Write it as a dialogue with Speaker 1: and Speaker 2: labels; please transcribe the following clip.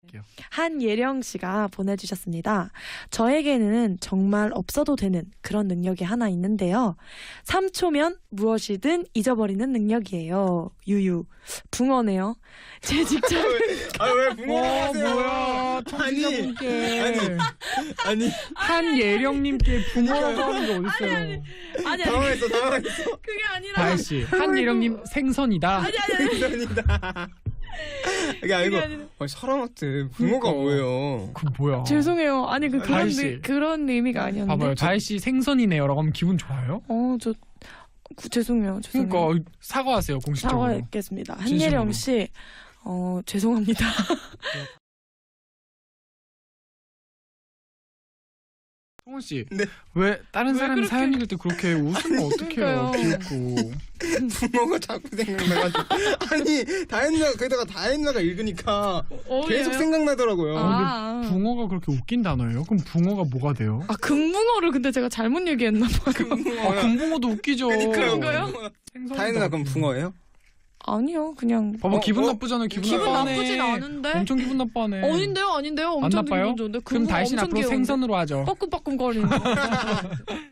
Speaker 1: 한예령 씨가 보내주셨습니다. 저에게는 정말 없어도 되는 그런 능력이 하나 있는데요. 3초면 무엇이든 잊어버리는 능력이에요. 유유. 붕어네요. 제 직장.
Speaker 2: 왜 붕어라고 하세요?
Speaker 3: 뭐야, 청취자분께
Speaker 2: 아니
Speaker 3: 한예령님께 붕어라고 하는 게 어딨어요?
Speaker 1: 아니
Speaker 2: 당황했어.
Speaker 1: 그게 아니라.
Speaker 3: 다혜씨, 한예령님 생선이다.
Speaker 2: 감사합니다. 이게 아니고 사람한테 붕어가 뭐예요?
Speaker 3: 그 뭐야?
Speaker 1: 죄송해요. 아니
Speaker 3: 다혜 씨.
Speaker 1: 그런 의미가 아니었는데.
Speaker 3: 봐봐요, 다혜씨 생선이네요라고 하면 기분 좋아요?
Speaker 1: 저 죄송해요.
Speaker 3: 그러니까 사과하세요, 공식적으로.
Speaker 1: 사과했겠습니다.
Speaker 3: 진심으로.
Speaker 1: 한예령 씨, 죄송합니다.
Speaker 3: 성원 씨,
Speaker 2: 네.
Speaker 3: 왜 다른 사람이
Speaker 1: 그렇게-
Speaker 3: 사연 읽을 때 그렇게 웃으면 어떡해요?
Speaker 1: 그러니까요.
Speaker 3: 귀엽고.
Speaker 2: 붕어가 자꾸 생각나가지고 아니 다현이가 거기다가 다현이가 읽으니까 계속 생각나더라고요.
Speaker 3: 근데 붕어가 그렇게 웃긴 단어예요? 그럼 붕어가 뭐가 돼요?
Speaker 1: 금붕어를 근데 제가 잘못 얘기했나 봐요.
Speaker 3: 금붕어도 웃기죠.
Speaker 1: 그런가요?
Speaker 3: 생선이다.
Speaker 2: 다현이가 그럼 붕어예요?
Speaker 1: 아니요, 그냥.
Speaker 3: 봐봐, 기분 나쁘잖아요. 기분 나빠하네.
Speaker 1: 나쁘진 않은데.
Speaker 3: 엄청 기분 나빠하네.
Speaker 1: 아닌데요.
Speaker 3: 안
Speaker 1: 엄청
Speaker 3: 나빠요?
Speaker 1: 기분 좋은데.
Speaker 3: 그럼 다혜씨는
Speaker 1: 엄청
Speaker 3: 앞으로
Speaker 1: 귀여운데.
Speaker 3: 생선으로 하죠.
Speaker 1: 빠끔빠끔거리는 거.